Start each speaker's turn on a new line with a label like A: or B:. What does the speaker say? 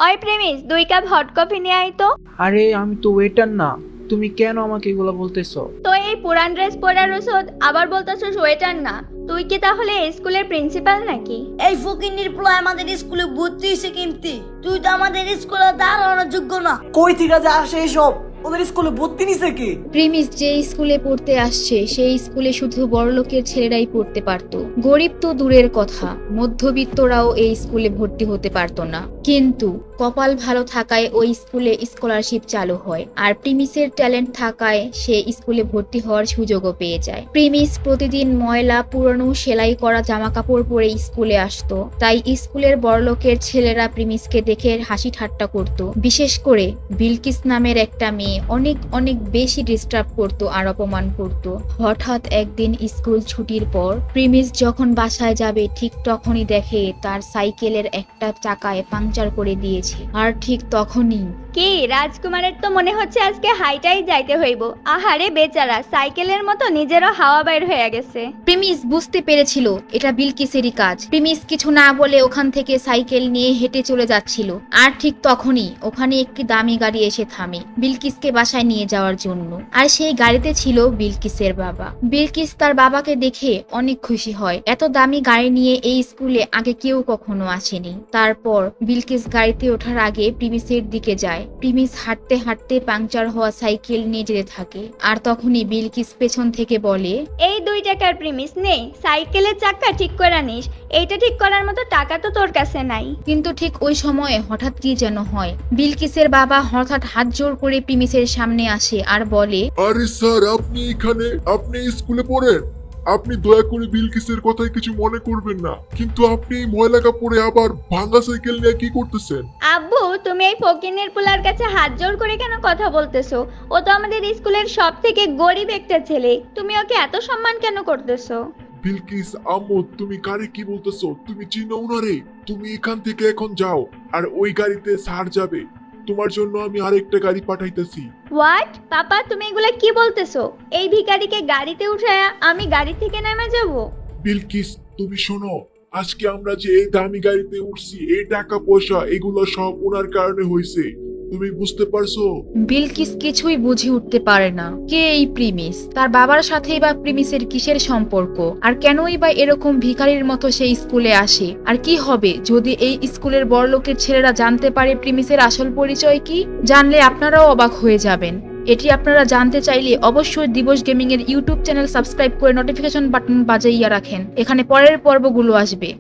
A: ওই premise 2 cup hot coffee নিয়ে আয় তো।
B: আরে আমি তো ওয়েটার না, তুমি কেন আমাকে এগুলো বলতেছো?
A: তো এই পুরান ড্রেস পরার ওষুধ আবার বলতেছস ওয়েটার না? তুই কি তাহলে এই স্কুলের প্রিন্সিপাল নাকি?
C: এই ফকিন্নির পোলা আমাদের স্কুলে ভর্তি হয়েছে কিন্তু তুই তো আমাদের স্কুলে দাঁড়ানোর যোগ্য না।
D: কই থেকে যে আসে এসব? ওদের স্কুলে ভর্তি নিছে কি?
E: প্রিমিস যে স্কুলে পড়তে আসছে সেই স্কুলে শুধু বড়লোকের ছেলেরাই পড়তে পারতো। গরিব তো দূরের কথা, মধ্যবিত্তরাও এই স্কুলে ভর্তি হতে পারতো না। কিন্তু কপাল ভালো থাকায় ওই স্কুলে স্কলারশিপ চালু হয়, আর প্রিমিসের ট্যালেন্ট থাকায় সে স্কুলে ভর্তি হওয়ার সুযোগও পেয়ে যায়। প্রিমিস প্রতিদিন ময়লা পুরনো সেলাই করা জামা কাপড় পরে স্কুলে আসতো, তাই স্কুলের বড়লোকের ছেলেরা প্রিমিসকে দেখে হাসি ঠাট্টা করত। বিশেষ করে বিলকিস নামের একটা মেয়ে অনেক অনেক বেশি ডিস্টার্ব করতো আর অপমান করত। হঠাৎ একদিন স্কুল ছুটির পর প্রিমিস যখন বাসায় যাবে ঠিক তখনই দেখে তার সাইকেলের একটা চাকায় পাংচার করে দিয়েছে। আর ঠিক তখনই
A: কি রাজকুমারের তো মনে হচ্ছে আজকে হাইটাই যাইতে হইব। আহারে বেচারা, সাইকেলের মতো নিজেরও হাওয়া বাইর হয়ে গেছে।
E: প্রিমিস বুঝতে পেরেছিল এটা বিলকিসেরই কাজ। প্রিমিস কিছু না বলে ওখান থেকে সাইকেল নিয়ে হেঁটে চলে যাচ্ছিল, আর ঠিক তখনই ওখানে একটি দামি গাড়ি এসে থামে বিলকিসকে বাসায় নিয়ে যাওয়ার জন্য। আর সেই গাড়িতে ছিল বিলকিসের বাবা। বিলকিস তার বাবাকে দেখে অনেক খুশি হয়, এত দামি গাড়ি নিয়ে এই স্কুলে আগে কেউ কখনো আসেনি। তারপর বিলকিস গাড়িতে ওঠার আগে প্রিমিসের দিকে যায়। প্রিমিস হাঁটতে হাঁটতে পাংচার হওয়া সাইকেল নিয়ে যেতে থাকে, আর তখনই বিলকিস পেছন থেকে বলে,
A: এই 2 টাকার প্রিমিস নেই, সাইকেলের চাকা ঠিক করে নিস। এইটা ঠিক করার মতো টাকা তো তোর কাছে নাই।
E: কিন্তু ঠিক ওই সময়ে হঠাৎ কি যেন হয়। বিলকিসের বাবা হঠাৎ হাত জোড় করে প্রিমিসের সামনে আসে আর বলে,
F: আরে স্যার, আপনি এখানে? আপনি স্কুলে পড়েন? আপনি দয়া করে বিলকিসের কথায় কিছু মনে করবেন না, কিন্তু আপনি এই ময়লা কাপড়ে আবার ভাঙা সাইকেল নিয়ে কি করতেছেন?
A: আব্বু, তুমি এই ফকিনের পোলার কাছে হাত জোড় করে কেন কথা বলতেছো? ও তো আমাদের স্কুলের সব থেকে গরিব একটা ছেলে, তুমি ওকে এত সম্মান কেন করতেছো?
F: বিলকিস আম্মু, তুমি কারে কি বলতেছো? তুমি চিনো উনারে? তুমি এখান থেকে এখন যাও, আর ওই গাড়িতে স্যার যাবে। তোমার জন্য আমি আরেকটা গাড়ি পাঠাইতেছি।
A: হোয়াট? পাপা, তুমি এগুলা কি বলতেছো? এই ভিখারিকে গাড়িতে উঠায়া আমি গাড়ি থেকে নেমে যাব?
F: বিলকিস, তুমি শোনো, আজকে আমরা যে এই দামি গাড়িতে উঠছি, এই টাকা পয়সা এগুলো সব ওনার কারণে হয়েছে। তুমি বুঝতে পারছো?
E: বিলকিস কিছুই বুঝে উঠতে পারে না কে এই প্রিমিস, তার বাবার সাথেই বা প্রিমিসের কিসের সম্পর্ক, আর কেনই বা এরকম ভিখারির মতো সেই স্কুলে আসে। আর কি হবে যদি এই স্কুলের বড়লোকের ছেলেরা জানতে পারে প্রিমিসের আসল পরিচয় কি? জানলে আপনারাও অবাক হয়ে যাবেন। এটি আপনারা জানতে চাইলে অবশ্যই দিবস গেমিং এর ইউটিউব চ্যানেল সাবস্ক্রাইব করে নোটিফিকেশন বাটন বাজাইয়া রাখেন, এখানে পরের পর্বগুলো আসবে।